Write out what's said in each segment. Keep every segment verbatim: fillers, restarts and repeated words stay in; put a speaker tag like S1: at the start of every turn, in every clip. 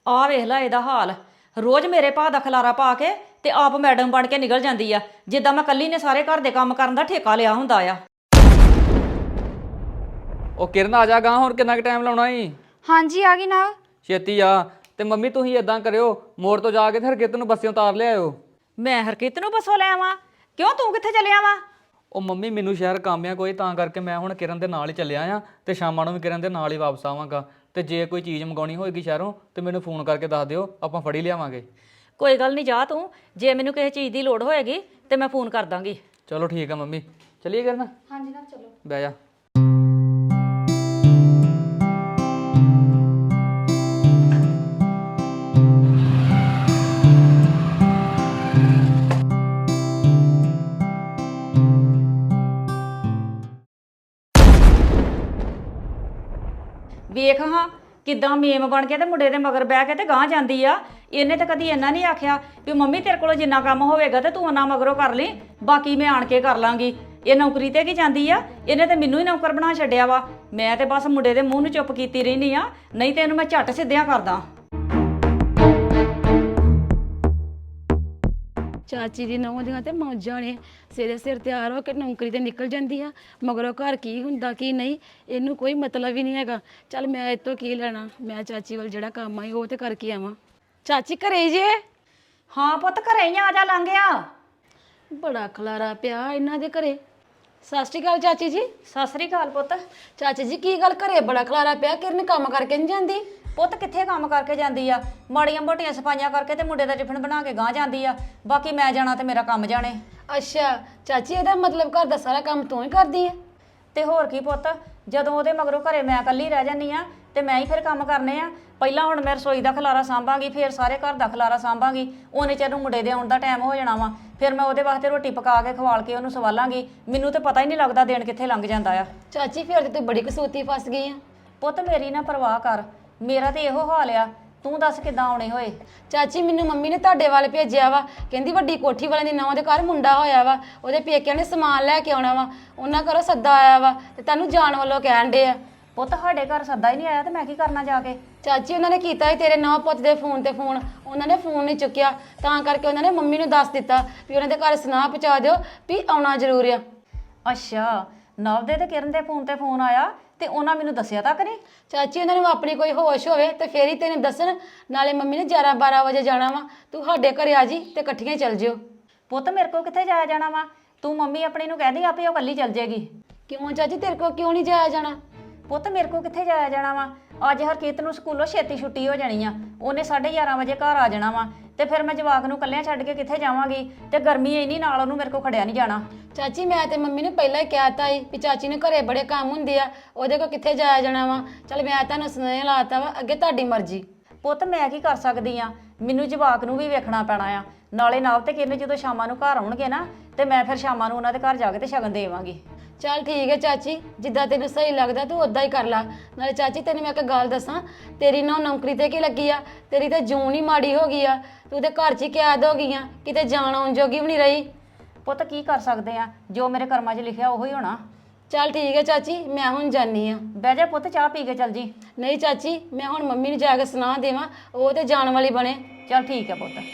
S1: ਆ ਵੇਖ ਲੈ ਇਹਦਾ ਹਾਲ। ਰੋਜ਼ ਮੇਰੇ ਭਾ ਦਾ ਖਲਾਰਾ ਪਾ ਕੇ ਤੇ ਆਪ ਮੈਡਮ ਬਣ ਕੇ ਨਿਕਲ ਜਾਂਦੀ ਆ, ਜਿੱਦਾਂ ਮੈਂ ਕੱਲੀ ਨੇ ਸਾਰੇ ਘਰ ਦੇ ਕੰਮ ਕਰਨ ਦਾ ਠੇਕਾ ਲਿਆ ਹੁੰਦਾ ਆ।
S2: ਉਹ ਕਿਰਨ ਆ ਜਾ ਗਾ, ਹੁਣ ਕਿੰਨਾ ਕੁ ਟਾਈਮ ਲਾਉਣਾ ਈ?
S3: ਹਾਂਜੀ ਆ ਗਈ ਨਾ।
S2: ਛੇਤੀ ਆ। ਤੇ ਮੰਮੀ ਤੁਸੀਂ ਇਦਾਂ ਕਰਿਓ, ਮੋੜ ਤੋਂ ਜਾ ਕੇ ਤੇ ਹਰਕਿਤ ਨੂੰ ਬੱਸਿਓਂ ਉਤਾਰ ਲਿਆਇਓ।
S1: ਮੈਂ ਹਰਕਿਤ ਨੂੰ ਬੱਸੋਂ ਲੈ ਆਵਾਂ? ਕਿਉਂ, ਤੂੰ ਕਿੱਥੇ ਚੱਲਿਆ ਵਾ?
S2: ਉਹ ਮੰਮੀ ਮੈਨੂੰ ਸ਼ਹਿਰ ਕੰਮ ਆ ਕੋਈ, ਤਾਂ ਕਰਕੇ ਮੈਂ ਹੁਣ ਕਿਰਨ ਦੇ ਨਾਲ ਹੀ ਚੱਲਿਆ ਆ ਤੇ ਸ਼ਾਮਾਂ ਨੂੰ ਵੀ ਕਿਰਨ ਦੇ ਨਾਲ ਹੀ ਵਾਪਸ ਆਵਾਂਗਾ। ਤੇ ਜੇ ਕੋਈ ਚੀਜ਼ ਮੰਗਾਉਣੀ ਹੋਏਗੀ ਸ਼ਹਿਰੋਂ ਤੇ ਮੈਨੂੰ ਫੋਨ ਕਰਕੇ ਦੱਸ ਦਿਓ, ਆਪਾਂ ਫੜੀ ਲਿਆਵਾਂਗੇ।
S1: ਕੋਈ ਗੱਲ ਨਹੀਂ, ਜਾ ਤੂੰ। ਜੇ ਮੈਨੂੰ ਕਿਸੇ ਚੀਜ਼ ਦੀ ਲੋੜ ਹੋਏਗੀ ਤੇ ਮੈਂ ਫੋਨ ਕਰ ਦਾਂਗੀ।
S2: ਚਲੋ ਠੀਕ ਆ ਮੰਮੀ, ਚੱਲੀਏ ਕਿਰਨ?
S3: ਹਾਂਜੀ ਨਾ ਚਲੋ।
S2: ਬਹਿ ਜਾ।
S1: ਵੇਖ ਹਾਂ ਕਿੱਦਾਂ ਮੇਮ ਬਣ ਕੇ ਤੇ ਮੁੰਡੇ ਦੇ ਮਗਰ ਬਹਿ ਕੇ ਤੇ ਗਾਂਹ ਜਾਂਦੀ ਆ। ਇਹਨੇ ਤਾਂ ਕਦੀ ਇੰਨਾ ਨਹੀਂ ਆਖਿਆ ਵੀ ਮੰਮੀ ਤੇਰੇ ਕੋਲੋਂ ਜਿੰਨਾ ਕੰਮ ਹੋਵੇਗਾ ਤੇ ਤੂੰ ਉਹਨਾਂ ਮਗਰੋਂ ਕਰ ਲਈ, ਬਾਕੀ ਮੈਂ ਆਣ ਕੇ ਕਰ ਲਾਂਗੀ। ਇਹ ਨੌਕਰੀ ਤੇ ਕੀ ਜਾਂਦੀ ਆ? ਇਹਨੇ ਤੇ ਮੈਨੂੰ ਹੀ ਨੌਕਰ ਬਣਾ ਛੱਡਿਆ ਵਾ। ਮੈਂ ਤੇ ਬਸ ਮੁੰਡੇ ਦੇ ਮੂੰਹ ਨੂੰ ਚੁੱਪ ਕੀਤੀ ਰਹਿੰਦੀ ਆ, ਨਹੀਂ ਤੇ ਇਹਨੂੰ ਮੈਂ ਝੱਟ ਸਿੱਧਿਆਂ ਕਰਦਾ।
S3: ਚਾਚੀ ਦੀ ਨੌਂ ਦੀਆਂ ਤੇ ਮੌਜਾਂ ਨੇ, ਸਿਰੇ ਸਿਰ ਤਿਆਰ ਹੋ ਕੇ ਨੌਕਰੀ ਤੇ ਨਿਕਲ ਜਾਂਦੀ ਆ, ਮਗਰੋਂ ਘਰ ਕੀ ਹੁੰਦਾ ਕੀ ਨਹੀਂ ਇਹਨੂੰ ਕੋਈ ਮਤਲਬ ਹੀ ਨਹੀਂ ਹੈਗਾ। ਚੱਲ ਮੈਂ ਇਹ ਤੋਂ ਕੀ ਲੈਣਾ, ਮੈਂ ਚਾਚੀ ਵੱਲ ਜਿਹੜਾ ਕੰਮ ਆਈ ਉਹ ਤੇ ਕਰਕੇ ਆਵਾਂ। ਚਾਚੀ ਘਰੇ ਜੇ?
S1: ਹਾਂ ਪੁੱਤ, ਘਰੇ ਹੀ ਆ ਜਾ, ਲੰਘ ਆ।
S3: ਬੜਾ ਖਲਾਰਾ ਪਿਆ ਇਹਨਾਂ ਦੇ ਘਰੇ। ਸਤਿ ਸ਼੍ਰੀ ਅਕਾਲ ਚਾਚੀ ਜੀ।
S1: ਸਤਿ ਸ੍ਰੀ ਅਕਾਲ ਪੁੱਤ।
S3: ਚਾਚੀ ਜੀ ਕੀ ਗੱਲ, ਘਰੇ ਬੜਾ ਖਲਾਰਾ ਪਿਆ, ਕਿਰਨ ਕੰਮ ਕਰਕੇ ਨਹੀਂ ਜਾਂਦੀ?
S1: ਪੁੱਤ ਕਿੱਥੇ ਕੰਮ ਕਰਕੇ ਜਾਂਦੀ ਆ, ਮਾੜੀਆਂ ਮੋਟੀਆਂ ਸਫਾਈਆਂ ਕਰਕੇ ਤੇ ਮੁੰਡੇ ਦਾ ਟਿਫਨ ਬਣਾ ਕੇ ਗਾਂਹ ਜਾਂਦੀ ਆ। ਬਾਕੀ ਮੈਂ ਜਾਣਾ ਤੇ ਮੇਰਾ ਕੰਮ ਜਾਣੇ।
S3: ਅੱਛਾ ਚਾਚੀ, ਇਹਦਾ ਮਤਲਬ ਘਰ ਦਾ ਸਾਰਾ ਕੰਮ ਤੂੰ ਹੀ ਕਰਦੀ ਹੈ?
S1: ਤੇ ਹੋਰ ਕੀ ਪੁੱਤ, ਜਦੋਂ ਉਹਦੇ ਮਗਰੋਂ ਘਰੇ ਮੈਂ ਇਕੱਲੀ ਰਹਿ ਜਾਂਦੀ ਆ ਤੇ ਮੈਂ ਹੀ ਫਿਰ ਕੰਮ ਕਰਨੇ ਆ। ਪਹਿਲਾਂ ਹੁਣ ਮੈਂ ਰਸੋਈ ਦਾ ਖਲਾਰਾ ਸਾਂਭਾਂਗੀ, ਫਿਰ ਸਾਰੇ ਘਰ ਦਾ ਖਲਾਰਾ ਸਾਂਭਾਂਗੀ। ਉਹਨੇ ਚਿਰ ਨੂੰ ਮੁੰਡੇ ਦੇ ਆਉਣ ਦਾ ਟਾਈਮ ਹੋ ਜਾਣਾ ਵਾ, ਫਿਰ ਮੈਂ ਉਹਦੇ ਵਾਸਤੇ ਰੋਟੀ ਪਕਾ ਕੇ ਖਵਾਲ ਕੇ ਉਹਨੂੰ ਸਵਾਲਾਂਗੀ। ਮੈਨੂੰ ਤੇ ਪਤਾ ਹੀ ਨਹੀਂ ਲੱਗਦਾ ਦਿਨ ਕਿੱਥੇ ਲੰਘ ਜਾਂਦਾ ਆ।
S3: ਚਾਚੀ ਫਿਰ ਤੇ ਤੂੰ ਬੜੀ ਕਸੂਤੀ ਫਸ ਗਈ ਆ।
S1: ਪੁੱਤ ਮੇਰੀ ਨਾ ਪਰਵਾਹ ਕਰ, ਮੇਰਾ ਤੇ ਇਹੋ ਹਾਲ ਆ। ਤੂੰ ਦੱਸ ਕਿੱਦਾਂ ਆਉਣੇ ਹੋਏ?
S3: ਚਾਚੀ ਮੈਨੂੰ ਮੰਮੀ ਨੇ ਤੁਹਾਡੇ ਵੱਲ ਭੇਜਿਆ ਵਾ, ਕਹਿੰਦੀ ਵੱਡੀ ਕੋਠੀ ਵਾਲੇ ਦੀ ਨੌਂ ਦੇ ਘਰ ਮੁੰਡਾ ਹੋਇਆ ਵਾ, ਉਹਦੇ ਪੇਕਿਆਂ ਨੇ ਸਮਾਨ ਲੈ ਕੇ ਆਉਣਾ ਵਾ, ਉਹਨਾਂ ਘਰੋਂ ਸੱਦਾ ਆਇਆ ਵਾ ਤੇ ਤੈਨੂੰ ਜਾਣ ਵੱਲੋਂ ਕਹਿਣ ਡੇ ਆ।
S1: ਪੁੱਤ ਸਾਡੇ ਘਰ ਸੱਦਾ ਹੀ ਨਹੀਂ ਆਇਆ ਤੇ ਮੈਂ ਕੀ ਕਰਨਾ ਜਾ ਕੇ?
S3: ਚਾਚੀ ਉਹਨਾਂ ਨੇ ਕੀਤਾ ਸੀ ਤੇਰੇ ਨੌਂ ਪੁੱਤ ਦੇ ਫੋਨ ਤੇ ਫੋਨ, ਉਹਨਾਂ ਨੇ ਫੋਨ ਨਹੀਂ ਚੁੱਕਿਆ, ਤਾਂ ਕਰਕੇ ਉਹਨਾਂ ਨੇ ਮੰਮੀ ਨੂੰ ਦੱਸ ਦਿੱਤਾ ਵੀ ਉਹਨਾਂ ਦੇ ਘਰ ਸੁਨਾਹ ਪਹੁੰਚਾ ਦਿਓ ਵੀ ਆਉਣਾ ਜ਼ਰੂਰ ਆ।
S1: ਅੱਛਾ, ਨਵ ਦੇ ਤੇ ਕਿਰਨ ਦੇ ਫੋਨ ਤੇ ਫੋਨ ਆਇਆ ਤੇ ਉਹਨਾਂ ਮੈਨੂੰ ਦੱਸਿਆ ਤੱਕ ਨਹੀਂ?
S3: ਚਾਚੀ ਉਹਨਾਂ ਨੂੰ ਆਪਣੀ ਕੋਈ ਹੋਸ਼ ਹੋਵੇ ਤੇ ਫੇਰ ਹੀ ਤੈਨੂੰ ਦੱਸਣ। ਨਾਲੇ ਮੰਮੀ ਨੇ ਗਿਆਰਾਂ ਬਾਰਾਂ ਵਜੇ ਜਾਣਾ ਵਾ, ਤੂੰ ਸਾਡੇ ਘਰੇ ਆ ਜੀ ਤੇ ਇਕੱਠੀਆਂ ਚੱਲ ਜਿਓ।
S1: ਪੁੱਤ ਮੇਰੇ ਕੋਲ ਕਿੱਥੇ ਜਾਇਆ ਜਾਣਾ ਵਾ? ਤੂੰ ਮੰਮੀ ਆਪਣੀ ਨੂੰ ਕਹਿ ਦੀ ਆਪੇ ਉਹ ਇਕੱਲੀ ਚੱਲ ਜਾਏਗੀ।
S3: ਕਿਉਂ ਚਾਚੀ, ਤੇਰੇ ਕੋਲ ਕਿਉਂ ਨਹੀਂ ਜਾਇਆ ਜਾਣਾ?
S1: ਪੁੱਤ ਮੇਰੇ ਕੋਲ ਕਿੱਥੇ ਜਾਇਆ ਜਾਣਾ ਵਾ? ਅੱਜ ਹਰਕੀਤ ਨੂੰ ਸਕੂਲੋਂ ਛੇਤੀ ਛੁੱਟੀ ਹੋ ਜਾਣੀ ਆ, ਉਹਨੇ ਸਾਢੇ ਗਿਆਰਾਂ ਵਜੇ ਘਰ ਆ ਜਾਣਾ ਵਾ, ਤੇ ਫਿਰ ਮੈਂ ਜਵਾਕ ਨੂੰ ਇਕੱਲਿਆਂ ਛੱਡ ਕੇ ਕਿੱਥੇ ਜਾਵਾਂਗੀ? ਤੇ ਗਰਮੀ ਇੰਨੀ, ਨਾਲ ਉਹਨੂੰ ਮੇਰੇ ਕੋਲ ਖੜਿਆ ਨਹੀਂ ਜਾਣਾ।
S3: ਚਾਚੀ ਮੈਂ ਤੇ ਮੰਮੀ ਨੇ ਪਹਿਲਾਂ ਹੀ ਕਹਿਤਾ ਸੀ ਵੀ ਚਾਚੀ ਨੇ ਘਰੇ ਬੜੇ ਕੰਮ ਹੁੰਦੇ ਆ, ਉਹਦੇ ਕੋਲ ਕਿੱਥੇ ਜਾਇਆ ਜਾਣਾ ਵਾ। ਚੱਲ ਮੈਂ ਤੁਹਾਨੂੰ ਸੁਨੇਹਾ ਲਾਤਾ ਵਾ, ਅੱਗੇ ਤੁਹਾਡੀ ਮਰਜ਼ੀ।
S1: ਪੁੱਤ ਮੈਂ ਕੀ ਕਰ ਸਕਦੀ ਆ, ਮੈਨੂੰ ਜਵਾਕ ਨੂੰ ਵੀ ਵੇਖਣਾ ਪੈਣਾ ਆ। ਨਾਲੇ ਨਾਲ ਤੇ ਕਿਰਨ ਜਦੋਂ ਸ਼ਾਮਾਂ ਨੂੰ ਘਰ ਆਉਣਗੇ ਨਾ, ਤੇ ਮੈਂ ਫਿਰ ਸ਼ਾਮਾਂ ਨੂੰ ਉਹਨਾਂ ਦੇ ਘਰ ਜਾ ਕੇ ਤੇ ਸ਼ਗਨ ਦੇਵਾਂਗੀ।
S3: ਚੱਲ ਠੀਕ ਹੈ ਚਾਚੀ, ਜਿੱਦਾਂ ਤੈਨੂੰ ਸਹੀ ਲੱਗਦਾ ਤੂੰ ਉਦਾਂ ਹੀ ਕਰ ਲਾ। ਨਾਲੇ ਚਾਚੀ ਤੈਨੂੰ ਮੈਂ ਇੱਕ ਗੱਲ ਦੱਸਾਂ, ਤੇਰੀ ਨਾ ਨੌਕਰੀ ਤੇ ਕੀ ਲੱਗੀ ਆ, ਤੇਰੀ ਤਾਂ ਜੂਨ ਹੀ ਮਾੜੀ ਹੋ ਗਈ ਆ, ਤੂੰ ਤੇ ਘਰ 'ਚ ਹੀ ਕੈਦ ਹੋ ਗਈ ਆ, ਕਿਤੇ ਜਾਣ ਆਉਣ ਜੋਗੀ ਵੀ ਨਹੀਂ ਰਹੀ।
S1: ਪੁੱਤ ਕੀ ਕਰ ਸਕਦੇ ਆ, ਜੋ ਮੇਰੇ ਕਰਮਾਂ 'ਚ ਲਿਖਿਆ ਉਹੀ ਹੋਣਾ।
S3: ਚੱਲ ਠੀਕ ਹੈ ਚਾਚੀ, ਮੈਂ ਹੁਣ ਜਾਨੀ ਆ।
S1: ਬਹਿ ਜਾ ਪੁੱਤ, ਚਾਹ ਪੀ ਕੇ ਚੱਲ ਜੀ।
S3: ਨਹੀਂ ਚਾਚੀ, ਮੈਂ ਹੁਣ ਮੰਮੀ ਨੂੰ ਜਾ ਕੇ ਸੁਣਾ ਦੇਵਾਂ, ਉਹ ਤੇ ਜਾਣ ਵਾਲੀ ਬਣੇ।
S1: ਚੱਲ ਠੀਕ ਹੈ ਪੁੱਤ।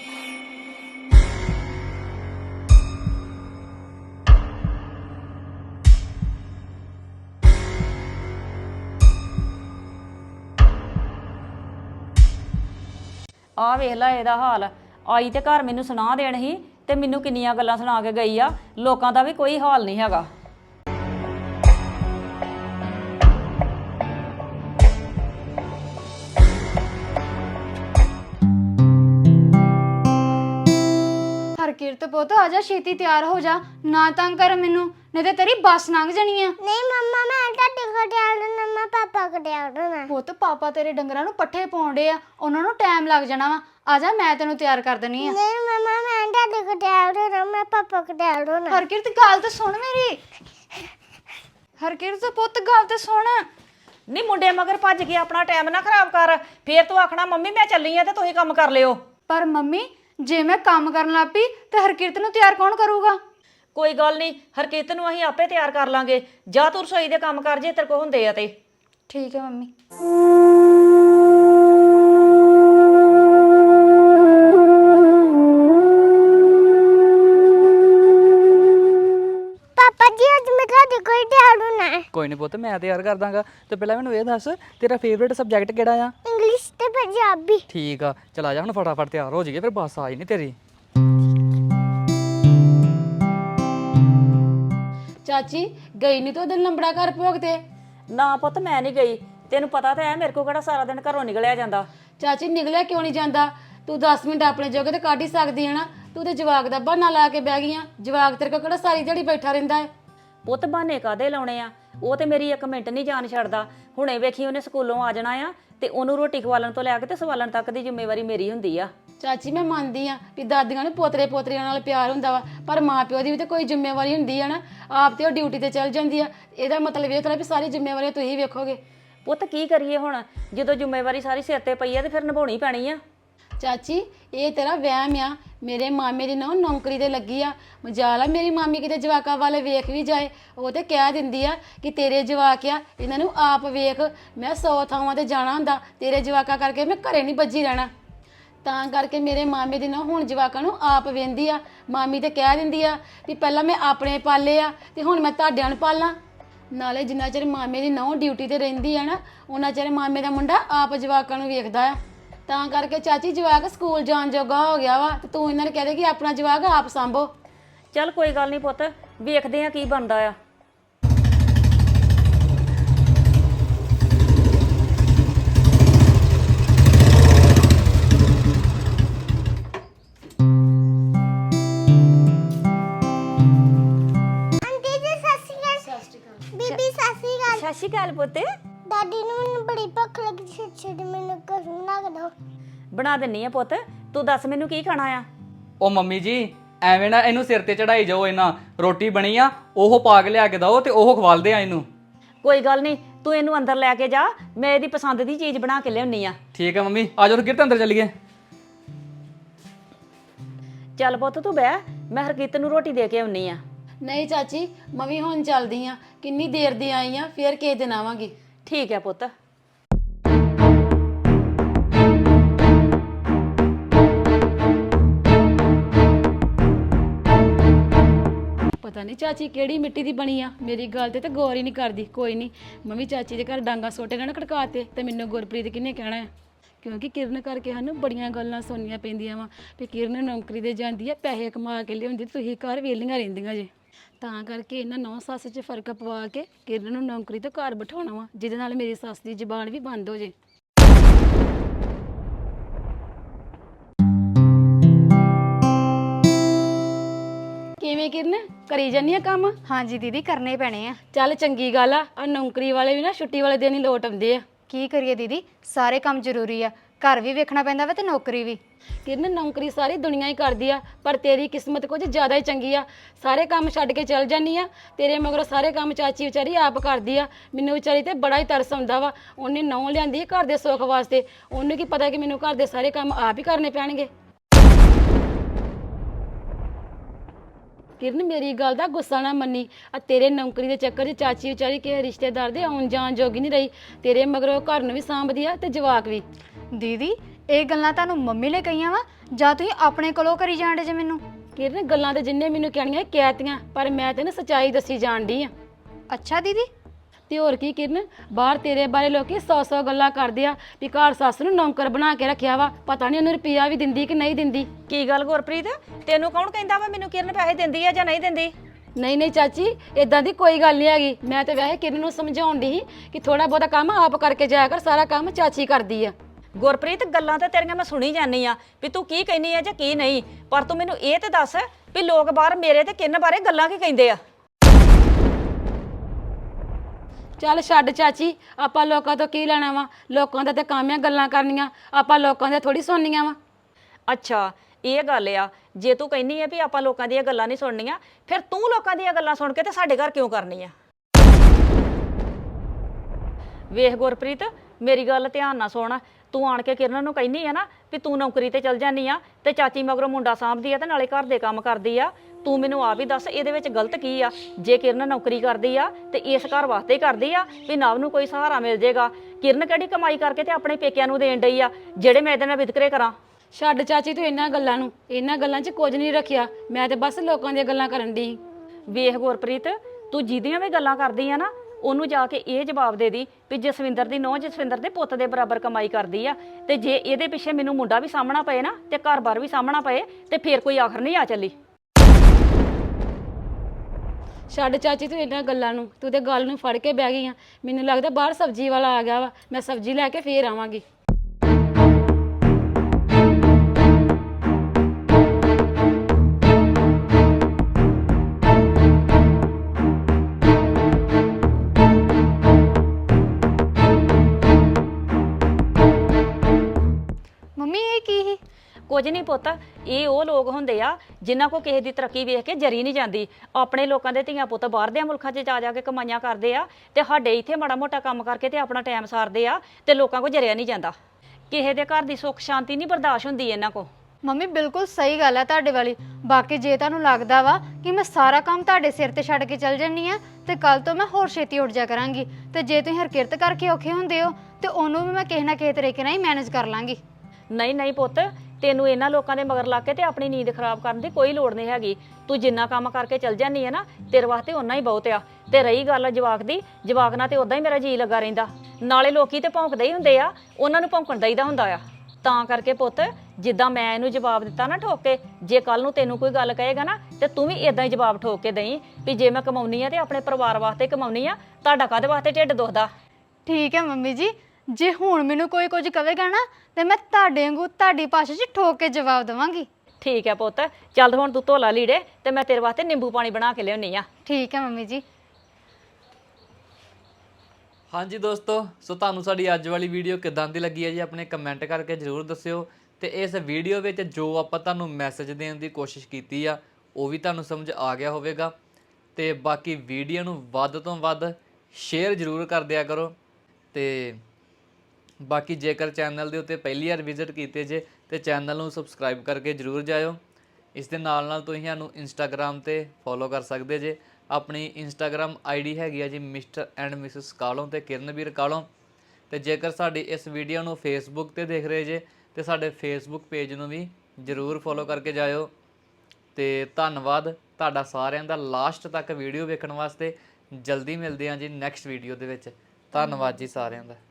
S1: ਆ ਵੇਖ ਲੈ ਇਹਦਾ ਹਾਲ। ਆਈ ਤੇ ਘਰ ਮੈਨੂੰ ਸੁਣਾ ਦੇਣ ਹੀ ਤੇ ਮੈਨੂੰ ਕਿੰਨੀਆਂ ਗੱਲਾਂ ਸੁਣਾ ਕੇ ਗਈ ਆ। ਲੋਕਾਂ ਦਾ ਵੀ ਕੋਈ ਹਾਲ ਨਹੀਂ ਹੈਗਾ।
S4: ਹਰਕਿਰਤ ਪੁੱਤ ਆ ਜਾ, ਛੇਤੀ ਤਿਆਰ ਹੋ ਜਾ, ਨਾ ਤੰਗ ਕਰ ਮੈਨੂੰ, ਨਹੀਂ ਤੇ ਤੇਰੀ ਬੱਸ ਲੰਘ ਜਾਣੀ ਆ।
S5: ਨਹੀਂ ਮੰਮਾ, ਮੈਂ ਤੁਹਾਡੇ ਕੋਲ ਡਿਆਉਣਾ, ਮੈਂ ਪਾਪਾ ਕੋਲ ਡਿਆਉਣਾ।
S4: ਪੁੱਤ ਪਾਪਾ ਤੇਰੇ ਡੰਗਰਾਂ ਨੂੰ ਪੱਠੇ ਪਾਉਂਦੇ ਆ, ਉਹਨਾਂ ਨੂੰ ਟਾਈਮ ਲੱਗ ਜਾਣਾ ਵਾ। ਆ ਜਾ, ਮੈਂ ਤੈਨੂੰ ਤਿਆਰ ਕਰ ਦਿੰਨੀ ਆ।
S5: ਨਹੀਂ ਮੰਮਾ, ਮੈਂ ਤੁਹਾਡੇ ਕੋਲ ਡਿਆਉਣਾ, ਮੈਂ ਪਾਪਾ ਕੋਲ ਡਿਆਉਣਾ।
S4: ਹਰਕਿਰਤ ਗੱਲ ਤਾਂ ਸੁਣ ਮੇਰੀ। ਹਰਕਿਰਤ ਪੁੱਤ ਗੱਲ ਤਾਂ ਸੁਣ।
S1: ਨਹੀਂ ਮੁੰਡੇ ਮਗਰ ਭੱਜ ਕੇ ਆਪਣਾ ਟਾਈਮ ਨਾ ਖਰਾਬ ਕਰ, ਫੇਰ ਤੂੰ ਆਖਣਾ ਮੰਮੀ ਮੈਂ ਚੱਲੀ ਆ ਤੇ ਤੁਸੀਂ ਕੰਮ ਕਰ ਲਿਓ।
S4: ਪਰ ਮੰਮੀ ਜੇ ਮੈਂ ਕੰਮ ਕਰਨ ਲੱਗ ਪਈ ਤੇ ਹਰਕਿਰਤ ਨੂੰ ਤਿਆਰ ਕੌਣ ਕਰੂਗਾ?
S1: ਕੋਈ ਗੱਲ ਨਹੀਂ, ਹਰਕੀਤ ਨੂੰ ਅਸੀਂ ਆਪੇ ਤਿਆਰ ਕਰ ਲਾਂਗੇ। ਜਾ ਤੂੰ ਰਸੋਈ ਦੇ ਕੰਮ ਕਰ, ਜੇ ਤੇਰੇ ਕੋਲ ਹੁੰਦੇ ਆ ਤੇ।
S4: ਠੀਕ ਹੈ ਮੰਮੀ।
S5: ਮੰਮਾ ਮੈਂ ਤੁਹਾਡੇ ਕੋਲ ਡਿਆਉਣਾ, ਮੈਂ ਪਾਪਾ ਕੋਲ ਡਿਆਉਣਾ।
S4: ਹਰਕਿਰਤ ਗੱਲ ਤਾਂ ਸੁਣ ਮੇਰੀ। ਪਰ ਮੰਮੀ ਜੇ ਮੈਂ ਕੰਮ ਕਰਨ ਲੱਗ ਪਈ ਤੇ ਹਰਕਿਰਤ ਨੂੰ ਤਿਆਰ ਕੌਣ ਕਰੂਗਾ? ਕੋਈ ਗੱਲ ਨਹੀਂ, ਹਰਕੀਤ ਨੂੰ ਅਸੀਂ ਆਪੇ ਤਿਆਰ ਕਰ ਲਾਂਗੇ। ਜਾ ਤੂੰ ਰਸੋਈ ਦੇ ਕੰਮ ਕਰ, ਜੇ ਤੇਰੇ ਕੋਲ ਹੁੰਦੇ ਆ ਤੇ।
S1: ਠੀਕ ਹੈ ਮੰਮੀ।
S2: ਕੋਈ ਨਹੀਂ ਪੁੱਤ ਮੈਂ ਤੇ ਯਾਰ ਕਰ ਦਾਂਗਾ ਤੇ ਪਹਿਲਾਂ ਮੈਨੂੰ ਇਹ ਦੱਸ ਤੇਰਾ ਫੇਵਰੇਟ ਸਬਜੈਕਟ ਕਿਹੜਾ ਆ
S5: ਇੰਗਲਿਸ਼ ਤੇ ਪੰਜਾਬੀ।
S2: ਠੀਕ ਆ ਚਲ ਆ ਜਾ ਹੁਣ ਫਟਾਫਟ ਤਿਆਰ ਹੋ ਜਾਈਏ ਫਿਰ ਬੱਸ ਆ ਨਹੀਂ ਤੇਰੀ।
S3: ਚਾਚੀ ਗਈ ਨਹੀਂ ਤੋ ਦਿਨ ਲੰਬੜਾ ਘਰ ਭੋਗ ਤੇ।
S1: ਨਾ ਪੁੱਤ ਮੈਂ ਨਹੀਂ ਗਈ, ਤੈਨੂੰ ਪਤਾ ਤਾਂ ਹੈ ਮੇਰੇ ਕੋਲ ਕਿਹੜਾ ਸਾਰਾ ਦਿਨ ਘਰੋਂ ਨਿਕਲਿਆ ਜਾਂਦਾ।
S3: ਚਾਚੀ ਨਿਕਲਿਆ ਕਿਉਂ ਨਹੀਂ ਜਾਂਦਾ? ਤੂੰ ਦਸ ਮਿੰਟ ਆਪਣੇ ਜੋਗੇ ਤੇ ਕੱਢ ਹੀ ਸਕਦੀ ਹੈ ਨਾ। ਤੂੰ ਤੇ ਜਵਾਕ ਦਾ ਬਹਾਨਾ ਲਾ ਕੇ ਬਹਿ ਗਈ ਆ। ਜਵਾਕ ਤੇਰੇ ਕੋਲ ਕਿਹੜਾ ਸਾਰੀ ਦਿਹਾੜੀ ਬੈਠਾ ਰਹਿੰਦਾ ਹੈ?
S1: ਪੁੱਤ ਬਹਾਨੇ ਕਾਦੇ ਲਾਉਣੇ ਆ, ਉਹ ਤੇ ਮੇਰੀ ਇੱਕ ਮਿੰਟ ਨਹੀਂ ਜਾਨ ਛੱਡਦਾ। ਹੁਣੇ ਵੇਖੀ ਉਹਨੇ ਸਕੂਲੋਂ ਆ ਜਾਣਾ ਆ ਤੇ ਉਹਨੂੰ ਰੋਟੀ ਖਵਾਲਣ ਤੋਂ ਲੈ ਕੇ ਤੇ ਸਵਾਲਣ ਤੱਕ ਦੀ ਜ਼ਿੰਮੇਵਾਰੀ ਮੇਰੀ ਹੁੰਦੀ ਆ।
S3: ਚਾਚੀ ਮੈਂ ਮੰਨਦੀ ਆ ਵੀ ਦਾਦੀਆਂ ਨੂੰ ਪੋਤਰੇ ਪੋਤਰੀਆਂ ਨਾਲ ਪਿਆਰ ਹੁੰਦਾ ਵਾ, ਪਰ ਮਾਂ ਪਿਓ ਦੀ ਵੀ ਤੇ ਕੋਈ ਜ਼ਿੰਮੇਵਾਰੀ ਹੁੰਦੀ ਆ ਨਾ। ਆਪ ਤੇ ਉਹ ਡਿਊਟੀ ਤੇ ਚਲ ਜਾਂਦੀ ਆ, ਇਹਦਾ ਮਤਲਬ ਇਹ ਥੋੜਾ ਵੀ ਸਾਰੀ ਜ਼ਿੰਮੇਵਾਰੀ ਤੁਸੀਂ ਵੇਖੋਗੇ।
S1: ਪੁੱਤ ਕੀ ਕਰੀਏ ਹੁਣ, ਜਦੋਂ ਜ਼ਿੰਮੇਵਾਰੀ ਸਾਰੀ ਸਿਰ ਤੇ ਪਈ ਆ ਤੇ ਫਿਰ ਨਿਭਾਉਣੀ ਪੈਣੀ ਆ।
S3: ਚਾਚੀ ਇਹ ਤੇਰਾ ਵਹਿਮ ਆ। ਮੇਰੇ ਮਾਮੇ ਦੀ ਨੌਂ ਨੌਕਰੀ ਤੇ ਲੱਗੀ ਆ। ਮਜਾਲ ਆ ਮੇਰੀ ਮਾਮੀ ਕਿਤੇ ਜਵਾਕਾਂ ਵੱਲ ਵੇਖ ਵੀ ਜਾਏ, ਉਹ ਤੇ ਕਹਿ ਦਿੰਦੀ ਆ ਕਿ ਤੇਰੇ ਜਵਾਕ ਆ, ਇਹਨਾਂ ਨੂੰ ਆਪ ਵੇਖ। ਮੈਂ ਸੌ ਥਾਵਾਂ ਤੇ ਜਾਣਾ ਹੁੰਦਾ, ਤੇਰੇ ਜਵਾਕਾਂ ਕਰਕੇ ਮੈਂ ਘਰੇ ਨਹੀਂ ਬੱਜੀ ਰਹਿਣਾ। ਤਾਂ ਕਰਕੇ ਮੇਰੇ ਮਾਮੇ ਦੀ ਨੌਂ ਹੁਣ ਜਵਾਕਾਂ ਨੂੰ ਆਪ ਵੇਂਦੀ ਆ। ਮਾਮੀ ਤੇ ਕਹਿ ਦਿੰਦੀ ਆ ਵੀ ਪਹਿਲਾਂ ਮੈਂ ਆਪਣੇ ਪਾਲੇ ਆ ਤੇ ਹੁਣ ਮੈਂ ਤੁਹਾਡਿਆਂ ਨੂੰ ਪਾਲਾਂ। ਨਾਲੇ ਜਿੰਨਾ ਚਿਰ ਮਾਮੇ ਦੀ ਨੌਂ ਡਿਊਟੀ ਤੇ ਰਹਿੰਦੀ ਆ ਨਾ, ਉਹਨਾਂ ਚਿਰ ਮਾਮੇ ਦਾ ਮੁੰਡਾ ਆਪ ਜਵਾਕਾਂ ਨੂੰ ਵੇਖਦਾ ਆ। ਤਾਂ ਕਰਕੇ ਚਾਚੀ ਜਵਾਕ ਸਕੂਲ ਜਾਣ ਜੋਗਾ ਹੋ ਗਿਆ ਵਾ ਤੇ ਤੂੰ ਇਹਨਾਂ ਨੇ ਕਹਦੇ ਕਿ ਆਪਣਾ ਜਵਾਕ ਆਪ ਸੰਭੋ।
S1: ਚੱਲ ਕੋਈ ਗੱਲ ਨਹੀਂ ਪੁੱਤ, ਵੇਖਦੇ ਆ ਕੀ ਬਣਦਾ ਆ।
S5: ਆਂਟੀ ਜੀ ਸਤਿ ਸ਼੍ਰੀ ਅਕਾਲ। ਬੀਬੀ ਸਤਿ ਸ਼੍ਰੀ ਅਕਾਲ।
S1: ਸਤਿ ਸ਼੍ਰੀ ਅਕਾਲ ਪੁੱਤ।
S5: ਦਾਦੀ ਨੂੰ ਮੈਨੂੰ ਬੜੀ ਭੁੱਖ ਲੱਗੀ ਸੀ, ਛੇਤੀ ਮੈਨੂੰ ਕੁਝ ਬਣਾ ਕੇ ਦਿਓ।
S1: ਬਣਾ ਦਿੰਨੀ ਆ ਪੁੱਤ, ਤੂੰ ਦੱਸ ਮੈਨੂੰ ਕੀ ਖਾਣਾ ਆ।
S2: ਉਹ ਮੰਮੀ ਜੀ ਐਵੇਂ ਨਾ ਇਹਨੂੰ ਸਿਰ ਤੇ ਚੜਾਈ ਜਾਓ, ਇਹਨਾਂ ਰੋਟੀ ਬਣੀ ਆ ਉਹ ਪਾ ਕੇ ਲਿਆ ਕੇ ਦਓ ਤੇ ਉਹ ਖਵਾਲਦੇ ਆ ਇਹਨੂੰ।
S1: ਕੋਈ ਗੱਲ ਨਹੀਂ, ਤੂੰ ਇਹਨੂੰ ਅੰਦਰ ਲੈ ਕੇ ਜਾ, ਮੈਂ ਇਹਦੀ ਪਸੰਦ ਦੀ ਚੀਜ਼ ਬਣਾ ਕੇ ਲਿਆਉਣੀ ਆ।
S2: ਠੀਕ ਹੈ ਮੰਮੀ, ਆ ਜਾਓ ਕਿਰਤ ਅੰਦਰ ਚੱਲੀਏ।
S1: ਚੱਲ ਪੁੱਤ ਤੂੰ ਬਹਿ, ਮੈਂ ਹਰਕੀਤ ਨੂੰ ਰੋਟੀ ਦੇ ਕੇ ਆਉਣੀ ਆ।
S3: ਨਹੀਂ ਚਾਚੀ ਮੈਂ ਵੀ ਹੁਣ ਚੱਲਦੀ ਆ, ਕਿੰਨੀ ਦੇਰ ਦੀ ਆਈ ਆ, ਫੇਰ ਕਿਸੇ ਦਿਨ ਆਵਾਂਗੀ।
S1: ਠੀਕ ਹੈ ਪੁੱਤ।
S3: ਪਤਾ ਨਹੀਂ ਚਾਚੀ ਕਿਹੜੀ ਮਿੱਟੀ ਦੀ ਬਣੀ ਆ, ਮੇਰੀ ਗੱਲ ਤੇ ਤਾਂ ਗੌਰ ਹੀ ਨਹੀਂ ਕਰਦੀ। ਕੋਈ ਨਹੀਂ, ਮੰਮੀ ਚਾਚੀ ਦੇ ਘਰ ਡਾਂਗਾ ਸੋਟੇਗਾ ਨਾ ਖੜਕਾਤੇ ਤੇ ਮੈਨੂੰ ਗੁਰਪ੍ਰੀਤ ਕਿਹਨੇ ਕਹਿਣਾ ਹੈ? ਕਿਉਂਕਿ ਕਿਰਨ ਕਰਕੇ ਸਾਨੂੰ ਬੜੀਆਂ ਗੱਲਾਂ ਸੁਣਨੀਆਂ ਪੈਂਦੀਆਂ ਵਾ ਵੀ ਕਿਰਨ ਨੌਕਰੀ ਤੇ ਜਾਂਦੀ ਆ, ਪੈਸੇ ਕਮਾ ਕੇ ਲਿਆਉਂਦੀ, ਤੁਸੀਂ ਘਰ ਵਿਹਲੀਆਂ ਰਹਿੰਦੀਆਂ ਜੇ। ਤਾਂ ਕਰਕੇ ਇਹਨਾਂ ਨੌ ਸੱਸ 'ਚ ਫਰਕ ਪਵਾ ਕੇ ਕਿਰਨ ਨੂੰ ਨੌਕਰੀ ਤੋਂ ਘਰ ਬਿਠਾਉਣਾ ਵਾ, ਜਿਹਦੇ ਨਾਲ ਮੇਰੀ ਸੱਸ ਦੀ ਜ਼ੁਬਾਨ ਵੀ ਬੰਦ ਹੋ ਜੇ। ਕਿਵੇਂ ਕਿਰਨ ਕਰੀ ਜਾਨੀ ਆ ਕੰਮ?
S4: ਹਾਂਜੀ ਦੀਦੀ ਕਰਨੇ ਪੈਣੇ ਆ।
S3: ਚੱਲ ਚੰਗੀ ਗੱਲ ਆ। ਆ ਨੌਕਰੀ ਵਾਲੇ ਵੀ ਨਾ ਛੁੱਟੀ ਵਾਲੇ ਦਿਨ ਹੀ ਲੋਟ ਆਉਂਦੇ ਆ।
S4: ਕੀ ਕਰੀਏ ਦੀਦੀ, ਸਾਰੇ ਕੰਮ ਜ਼ਰੂਰੀ ਆ, ਘਰ ਵੀ ਵੇਖਣਾ ਪੈਂਦਾ ਵਾ ਤੇ ਨੌਕਰੀ ਵੀ।
S3: ਕਿਰਨ ਨੌਕਰੀ ਸਾਰੀ ਦੁਨੀਆ ਹੀ ਕਰਦੀ ਆ, ਪਰ ਤੇਰੀ ਕਿਸਮਤ ਕੁਝ ਜ਼ਿਆਦਾ ਹੀ ਚੰਗੀ ਆ। ਸਾਰੇ ਕੰਮ ਛੱਡ ਕੇ ਚਲ ਜਾਨੀ ਆ, ਤੇਰੇ ਮਗਰੋਂ ਸਾਰੇ ਕੰਮ ਚਾਚੀ ਵਿਚਾਰੀ ਆਪ ਕਰਦੀ ਆ। ਮੈਨੂੰ ਵਿਚਾਰੀ ਤੇ ਬੜਾ ਹੀ ਤਰਸ ਆਉਂਦਾ ਵਾ। ਉਹਨੇ ਨੌਂ ਲਿਆਂਦੀ ਘਰ ਦੇ ਸੁੱਖ ਵਾਸਤੇ, ਉਹਨੂੰ ਕੀ ਪਤਾ ਕਿ ਮੈਨੂੰ ਘਰ ਦੇ ਸਾਰੇ ਕੰਮ ਆਪ ਹੀ ਕਰਨੇ ਪੈਣਗੇ। ਕਿਰਨ ਮੇਰੀ ਗੱਲ ਦਾ ਗੁੱਸਾ ਨਾ ਮੰਨੀ, ਆ ਤੇਰੇ ਨੌਕਰੀ ਦੇ ਚੱਕਰ 'ਚ ਚਾਚੀ ਵਿਚਾਰੀ ਕਿਸੇ ਰਿਸ਼ਤੇਦਾਰ ਦੇ ਆਉਣ ਜਾਣ ਜੋਗੀ ਨਹੀਂ ਰਹੀ। ਤੇਰੇ ਮਗਰੋਂ ਘਰ ਨੂੰ ਵੀ ਸਾਂਭਦੀ ਆ ਤੇ ਜਵਾਕ ਵੀ।
S4: ਦੀਦੀ ਇਹ ਗੱਲਾਂ ਤੁਹਾਨੂੰ ਮੰਮੀ ਨੇ ਕਹੀਆਂ ਵਾ ਜਾਂ ਤੁਸੀਂ ਆਪਣੇ ਕੋਲੋਂ ਕਰੀ ਜਾਂਦੇ ਜੇ ਮੈਨੂੰ?
S3: ਕਿਰਨ ਗੱਲਾਂ ਤੇ ਜਿੰਨੇ ਮੈਨੂੰ ਕਹਿਣੀਆਂ ਕਹਿਤੀਆਂ, ਪਰ ਮੈਂ ਤੈਨੂੰ ਸੱਚਾਈ ਦੱਸੀ ਜਾਣ ਡਈ ਆ।
S4: ਅੱਛਾ ਦੀਦੀ।
S3: ਤੇ ਹੋਰ ਕੀ ਕਿਰਨ, ਬਾਹਰ ਤੇਰੇ ਬਾਰੇ ਲੋਕੀ ਸੌ ਸੌ ਗੱਲਾਂ ਕਰਦੇ ਆ ਵੀ ਘਰ ਸੱਸ ਨੂੰ ਨੌਕਰ ਬਣਾ ਕੇ ਰੱਖਿਆ ਵਾ, ਪਤਾ ਨਹੀਂ ਉਹਨੂੰ ਰੁਪਈਆ ਵੀ ਦਿੰਦੀ ਕਿ ਨਹੀਂ ਦਿੰਦੀ।
S1: ਕੀ ਗੱਲ ਗੁਰਪ੍ਰੀਤ, ਤੈਨੂੰ ਕੌਣ ਕਹਿੰਦਾ ਵਾ ਮੈਨੂੰ ਕਿਰਨ ਪੈਸੇ ਦਿੰਦੀ ਆ ਜਾਂ ਨਹੀਂ ਦਿੰਦੀ?
S3: ਨਹੀਂ ਨਹੀਂ ਚਾਚੀ ਇਦਾਂ ਦੀ ਕੋਈ ਗੱਲ ਨਹੀਂ ਹੈਗੀ। ਮੈਂ ਤੇ ਵੈਸੇ ਕਿਰਨ ਨੂੰ ਸਮਝਾਉਣ ਦੀ ਸੀ ਕਿ ਥੋੜਾ ਬਹੁਤਾ ਕੰਮ ਆਪ ਕਰਕੇ ਜਾਇਆ ਕਰ, ਸਾਰਾ ਕੰਮ ਚਾਚੀ ਕਰਦੀ ਆ।
S1: ਗੁਰਪ੍ਰੀਤ ਗੱਲਾਂ ਤਾਂ ਤੇਰੀਆਂ ਮੈਂ ਸੁਣੀ ਜਾਂਦੀ ਆ ਵੀ ਤੂੰ ਕੀ ਕਹਿੰਦੀ ਆ ਜਾਂ ਕੀ ਨਹੀਂ, ਪਰ ਤੂੰ ਮੈਨੂੰ ਇਹ ਤੇ ਦੱਸ ਵੀ ਲੋਕ ਬਾਹਰ ਮੇਰੇ ਤੇ ਕਿਰਨ ਬਾਰੇ ਗੱਲਾਂ ਕੀ ਕਹਿੰਦੇ ਆ?
S3: ਚੱਲ ਛੱਡ ਚਾਚੀ, ਆਪਾਂ ਲੋਕਾਂ ਤੋਂ ਕੀ ਲੈਣਾ ਵਾ? ਲੋਕਾਂ ਦਾ ਤੇ ਕੰਮ ਆ ਗੱਲਾਂ ਕਰਨੀਆਂ, ਆਪਾਂ ਲੋਕਾਂ ਦੇ ਥੋੜੀ ਸੁਣਨੀਆਂ ਵਾ।
S1: ਅੱਛਾ ਇਹ ਗੱਲ ਆ, ਜੇ ਤੂੰ ਕਹਿੰਦੀ ਆ ਵੀ ਆਪਾਂ ਲੋਕਾਂ ਦੀਆਂ ਗੱਲਾਂ ਨਹੀਂ ਸੁਣਨੀਆਂ, ਫਿਰ ਤੂੰ ਲੋਕਾਂ ਦੀਆਂ ਗੱਲਾਂ ਸੁਣ ਕੇ ਤੇ ਸਾਡੇ ਘਰ ਕਿਉਂ ਕਰਨੀ ਆ? ਵੇਖ ਗੁਰਪ੍ਰੀਤ ਮੇਰੀ ਗੱਲ ਧਿਆਨ ਨਾਲ ਸੁਣ, ਤੂੰ ਆਣ ਕੇ ਕਿਰਨ ਨੂੰ ਕਹਿੰਦੀ ਆ ਨਾ ਵੀ ਤੂੰ ਨੌਕਰੀ ਤੇ ਚਲ ਜਾਂਦੀ ਆ ਤੇ ਚਾਚੀ ਮਗਰੋਂ ਮੁੰਡਾ ਸਾਂਭਦੀ ਆ ਤੇ ਨਾਲੇ ਘਰ ਦੇ ਕੰਮ ਕਰਦੀ ਆ। ਤੂੰ ਮੈਨੂੰ ਆਪ ਹੀ ਦੱਸ ਇਹਦੇ ਵਿੱਚ ਗਲਤ ਕੀ ਆ? ਜੇ ਕਿਰਨ ਨੌਕਰੀ ਕਰਦੀ ਆ ਤੇ ਇਸ ਘਰ ਵਾਸਤੇ ਹੀ ਕਰਦੀ ਆ ਵੀ ਨਵ ਨੂੰ ਕੋਈ ਸਹਾਰਾ ਮਿਲ ਜੇਗਾ। ਕਿਰਨ ਕਿਹੜੀ ਕਮਾਈ ਕਰਕੇ ਤੇ ਆਪਣੇ ਪੇਕਿਆਂ ਨੂੰ ਦੇਣ ਡਈ ਆ ਜਿਹੜੇ ਮੈਂ ਇਹਦੇ ਨਾਲ ਵਿਤਕਰੇ ਕਰਾਂ?
S3: ਛੱਡ ਚਾਚੀ ਤੂੰ ਇਹਨਾਂ ਗੱਲਾਂ ਨੂੰ, ਇਹਨਾਂ ਗੱਲਾਂ 'ਚ ਕੁਝ ਨਹੀਂ ਰੱਖਿਆ। ਮੈਂ ਤੇ ਬਸ ਲੋਕਾਂ ਦੀਆਂ ਗੱਲਾਂ ਕਰਨ ਦੀ।
S1: ਵੇਖ ਗੁਰਪ੍ਰੀਤ ਤੂੰ ਜਿਹਦੀਆਂ ਵੀ ਗੱਲਾਂ ਕਰਦੀ ਆ ਨਾ ਉਹਨੂੰ ਜਾ ਕੇ ਇਹ ਜਵਾਬ ਦੇ ਦੀ ਵੀ ਜਸਵਿੰਦਰ ਦੀ ਨੌਂ ਜਸਵਿੰਦਰ ਦੇ ਪੁੱਤ ਦੇ ਬਰਾਬਰ ਕਮਾਈ ਕਰਦੀ ਆ ਤੇ ਜੇ ਇਹਦੇ ਪਿੱਛੇ ਮੈਨੂੰ ਮੁੰਡਾ ਵੀ ਸਾਹਮਣਾ ਪਏ ਨਾ ਤੇ ਘਰ-ਬਾਰ ਵੀ ਸਾਹਮਣਾ ਪਏ ਤੇ ਫੇਰ ਕੋਈ ਆਖਰ ਨਹੀਂ ਆ ਚੱਲੀ।
S3: ਛੱਡ ਚਾਚੀ ਤੂੰ ਇਹਨਾਂ ਗੱਲਾਂ ਨੂੰ, ਤੂੰ ਤੇ ਗੱਲ ਨੂੰ ਫੜ ਕੇ ਬਹਿ ਗਈ ਆ। ਮੈਨੂੰ ਲੱਗਦਾ ਬਾਹਰ ਸਬਜ਼ੀ ਵਾਲਾ ਆ ਗਿਆ ਵਾ, ਮੈਂ ਸਬਜ਼ੀ ਲੈ ਕੇ ਫੇਰ ਆਵਾਂਗੀ।
S4: ਮੰਮੀ ਇਹ ਕੀ ਸੀ?
S1: ਕੁਝ ਨਹੀਂ ਪੁੱਤ, ਇਹ ਉਹ ਲੋਕ ਹੁੰਦੇ ਆ ਜਿਨ੍ਹਾਂ ਕੋ ਕਿਸੇ ਦੀ ਤਰੱਕੀ ਵੇਖ ਕੇ ਜਰੀ ਨਹੀਂ ਜਾਂਦੀ। ਆਪਣੇ ਲੋਕਾਂ ਦੇ ਧੀਆਂ ਪੁੱਤ ਬਾਹਰ ਦੇ ਮੁਲਕਾਂ 'ਚ ਜਾ ਜਾ ਕੇ ਕਮਾਈਆਂ ਕਰਦੇ ਆ ਤੇ ਸਾਡੇ ਇੱਥੇ ਮਾੜਾ ਮੋਟਾ ਕੰਮ ਕਰਕੇ ਤੇ ਆਪਣਾ ਟਾਈਮ ਸਾਰਦੇ ਆ ਤੇ ਲੋਕਾਂ ਕੋ ਜਰਿਆ ਨਹੀਂ ਜਾਂਦਾ। ਕਿਸੇ ਦੇ ਘਰ ਦੀ ਸੁੱਖ ਸ਼ਾਂਤੀ ਨਹੀਂ ਬਰਦਾਸ਼ਤ ਹੁੰਦੀ ਇਹਨਾਂ ਕੋ।
S4: ਮੰਮੀ ਬਿਲਕੁਲ ਸਹੀ ਗੱਲ ਹੈ ਤੁਹਾਡੇ ਵਾਲੀ। ਬਾਕੀ ਜੇ ਤੁਹਾਨੂੰ ਲੱਗਦਾ ਵਾ ਕਿ ਮੈਂ ਸਾਰਾ ਕੰਮ ਤੁਹਾਡੇ ਸਿਰ ਤੇ ਛੱਡ ਕੇ ਚੱਲ ਜੰਨੀ ਆ ਤੇ ਕੱਲ ਤੋਂ ਮੈਂ ਹੋਰ ਛੇਤੀ ਉੱਠ ਜਾ ਕਰਾਂਗੀ। ਤੇ ਜੇ ਤੁਸੀਂ ਹਰਕਿਰਤ ਕਰਕੇ ਔਖੇ ਹੁੰਦੇ ਹੋ ਤੇ ਉਹਨੂੰ ਵੀ ਮੈਂ ਕਿਸੇ ਨਾ ਕਿਸੇ ਤਰੀਕੇ ਨਾਲ ਹੀ ਮੈਨੇਜ ਕਰ ਲਾਂਗੀ।
S1: ਨਹੀਂ ਨਹੀਂ ਪੁੱਤ, ਤੈਨੂੰ ਇਹਨਾਂ ਲੋਕਾਂ ਦੇ ਮਗਰ ਲੱਗ ਕੇ ਤੇ ਆਪਣੀ ਨੀਂਦ ਖਰਾਬ ਕਰਨ ਦੀ ਕੋਈ ਲੋੜ ਨਹੀਂ ਹੈਗੀ। ਤੂੰ ਜਿੰਨਾ ਕੰਮ ਕਰਕੇ ਚੱਲ ਜਾਂਦੀ ਹੈ ਨਾ ਤੇਰੇ ਵਾਸਤੇ ਓਨਾ ਹੀ ਬਹੁਤ ਆ। ਤੇ ਰਹੀ ਗੱਲ ਜਵਾਕ ਦੀ, ਜਵਾਕ ਨਾਲ ਤੇ ਉਦਾਂ ਹੀ ਮੇਰਾ ਜੀ ਲੱਗਾ ਰਹਿੰਦਾ। ਨਾਲੇ ਲੋਕੀ ਤੇ ਭੌਂਕਦੇ ਹੀ ਹੁੰਦੇ ਆ, ਉਹਨਾਂ ਨੂੰ ਭੌਂਕਣ ਦਈਦਾ ਹੁੰਦਾ ਆ। ਤਾਂ ਕਰਕੇ ਪੁੱਤ ਜਿੱਦਾਂ ਮੈਂ ਇਹਨੂੰ ਜਵਾਬ ਦਿੱਤਾ ਨਾ ਠੋਕ ਕੇ, ਜੇ ਕੱਲ ਨੂੰ ਤੈਨੂੰ ਕੋਈ ਗੱਲ ਕਹੇਗਾ ਨਾ ਤੇ ਤੂੰ ਵੀ ਇਦਾਂ ਹੀ ਜਵਾਬ ਠੋਕ ਕੇ ਦੇਈਂ ਵੀ ਜੇ ਮੈਂ ਕਮਾਉਣੀ ਆ ਤੇ ਆਪਣੇ ਪਰਿਵਾਰ ਵਾਸਤੇ ਕਮਾਉਣੀ ਆ, ਤੁਹਾਡਾ ਕਾਹਦੇ ਵਾਸਤੇ ਢਿੱਡ ਦੁਖਦਾ।
S4: ਠੀਕ ਹੈ ਮੰਮੀ ਜੀ, ਜੇ ਹੁਣ ਮੈਨੂੰ ਕੋਈ ਕੁਝ ਕਹੇਗਾ ਨਾ ਤੇ ਮੈਂ ਤੁਹਾਡੇ ਵਾਂਗੂ ਤੁਹਾਡੀ ਭਾਸ਼ਾ 'ਚ ਠੋਕ ਕੇ ਜਵਾਬ ਦੇਵਾਂਗੀ।
S1: ਠੀਕ ਹੈ ਪੁੱਤ, ਚੱਲ ਹੁਣ ਤੂੰ ਧੋਲਾ ਲੀੜੇ ਤੇ ਮੈਂ ਤੇਰੇ ਵਾਸਤੇ ਨਿੰਬੂ ਪਾਣੀ ਬਣਾ ਕੇ ਲਿਆਉਣੀ ਆ।
S4: ਠੀਕ ਹੈ ਮੰਮੀ ਜੀ।
S2: ਹਾਂਜੀ ਦੋਸਤੋ, ਸੋ ਤੁਹਾਨੂੰ ਸਾਡੀ ਅੱਜ ਵਾਲੀ ਵੀਡੀਓ ਕਿਦਾਂ ਦੀ ਲੱਗੀ ਹੈ ਜੀ ਆਪਣੇ ਕਮੈਂਟ ਕਰਕੇ ਜ਼ਰੂਰ ਦੱਸਿਓ। ਤੇ ਇਸ ਵੀਡੀਓ ਵਿੱਚ ਜੋ ਆਪਾਂ ਤੁਹਾਨੂੰ ਮੈਸੇਜ ਦੇਣ ਦੀ ਕੋਸ਼ਿਸ਼ ਕੀਤੀ ਆ ਉਹ ਵੀ ਤੁਹਾਨੂੰ ਸਮਝ ਆ ਗਿਆ ਹੋਵੇਗਾ। ਤੇ ਬਾਕੀ ਵੀਡੀਓ ਨੂੰ ਵੱਧ ਤੋਂ ਵੱਧ ਸ਼ੇਅਰ ਜ਼ਰੂਰ ਕਰ ਦਿਆ ਕਰੋ। ਤੇ ਬਾਕੀ ਜੇਕਰ ਚੈਨਲ ਦੇ ਉੱਤੇ ਪਹਿਲੀ ਵਾਰ ਵਿਜ਼ਿਟ ਕੀਤੇ ਜੇ ਤੇ ਚੈਨਲ ਨੂੰ ਸਬਸਕ੍ਰਾਈਬ ਕਰਕੇ ਜ਼ਰੂਰ ਜਾਇਓ। ਇਸ ਦੇ ਨਾਲ ਨਾਲ ਤੁਸੀਂ ਸਾਨੂੰ ਇੰਸਟਾਗ੍ਰਾਮ ਤੇ ਫੋਲੋ ਕਰ ਸਕਦੇ ਜੇ। ਆਪਣੀ ਇੰਸਟਾਗ੍ਰਾਮ ਆਈਡੀ ਹੈਗੀ ਆ ਜੀ ਮਿਸਟਰ ਐਂਡ ਮਿਸਿਸ ਕਾਲੋਂ ਤੇ ਕਿਰਨਵੀਰ ਕਾਲੋਂ। ਤੇ ਜੇਕਰ ਸਾਡੀ ਇਸ ਵੀਡੀਓ ਨੂੰ ਫੇਸਬੁੱਕ ਤੇ ਦੇਖ ਰਹੇ ਜੇ ਤੇ ਸਾਡੇ ਫੇਸਬੁੱਕ ਪੇਜ ਨੂੰ ਵੀ ਜ਼ਰੂਰ ਫੋਲੋ ਕਰਕੇ ਜਾਇਓ। ਤੇ ਧੰਨਵਾਦ ਤੁਹਾਡਾ ਸਾਰਿਆਂ ਦਾ ਲਾਸਟ ਤੱਕ ਵੀਡੀਓ ਵੇਖਣ ਵਾਸਤੇ। ਜਲਦੀ ਮਿਲਦੇ ਹਾਂ ਜੀ ਨੈਕਸਟ ਵੀਡੀਓ ਦੇ ਵਿੱਚ। ਧੰਨਵਾਦ ਜੀ ਸਾਰਿਆਂ ਦਾ।